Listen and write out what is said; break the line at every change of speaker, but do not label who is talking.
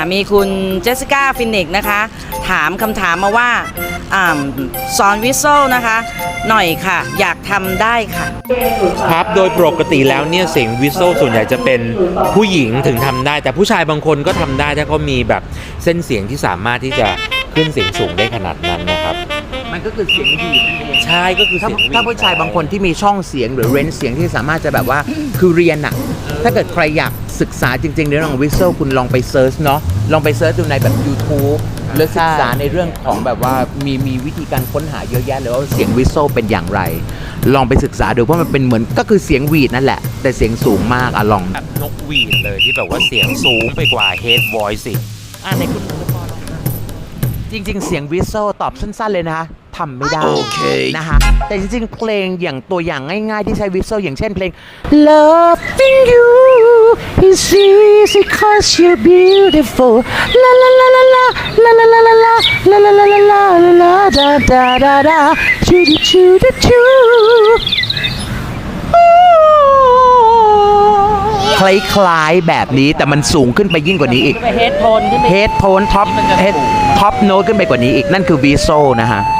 มีคุณเจสสิก้าฟินิกนะคะถามคำถามมาว่าสอนวิสโซนะคะหน่อยค่ะอยากทำได้ค่ะ
ครับโดยปกติแล้วเนี่ยเสียงวิสโซส่วนใหญ่จะเป็นผู้หญิงถึงทำได้แต่ผู้ชายบางคนก็ทำได้ถ้าเขามีแบบเส้นเสียงที่สามารถที่จะขึ้นเสียงสูงได้ขนาดนั้นนะครับ
มันก็คือเสียงดีนั่นเอง
ใช่ก็คือเสียง
ถ้าผู้ชายบางคนที่มีช่องเสียงหรือเรนจ์เสียงที่สามารถจะแบบว่าคือเรียนอะถ้าเกิดใครอยากศึกษาจริงๆในเรื่องของวิสโซคุณลองไปเซิร์ชเนาะลองไปเซิร์ชดูในแบบ YouTube หรือศึกษาในเรื่องของแบบว่ามีวิธีการค้นหาเยอะแยะเลยว่าเสียงวิสโซเป็นอย่างไรลองไปศึกษาดูเพราะมันเป็นเหมือนก็คือเสียงหวีดนั่นแหละแต่เสียงสูงมากอะลอง
แบบนกหวีดเลยที่แบบว่าเสียงสูงไปกว่าเฮดวอยซ์สิ
ในคุณจริงๆเสียงวิสโซตอบสั้นๆเลยนะคะทำไม่ได้นะคะแต่จริงๆเพลงอย่างตัวอย่างง่ายๆที่ใช้วิสโซอย่างเช่นเพลง Loving you is easy cause you're beautiful la la la la la la la la la la la la la la la la da da da da choo choo choo คล้ายๆแบบนี้แต่มันสูงขึ้นไปยิ่งกว่านี้อีก
เฮดโทนขึ้นไป
เฮดโทนท็อปโน้ตขึ้นไปกว่านี้อีกนั่นคือวิสโซนะฮะ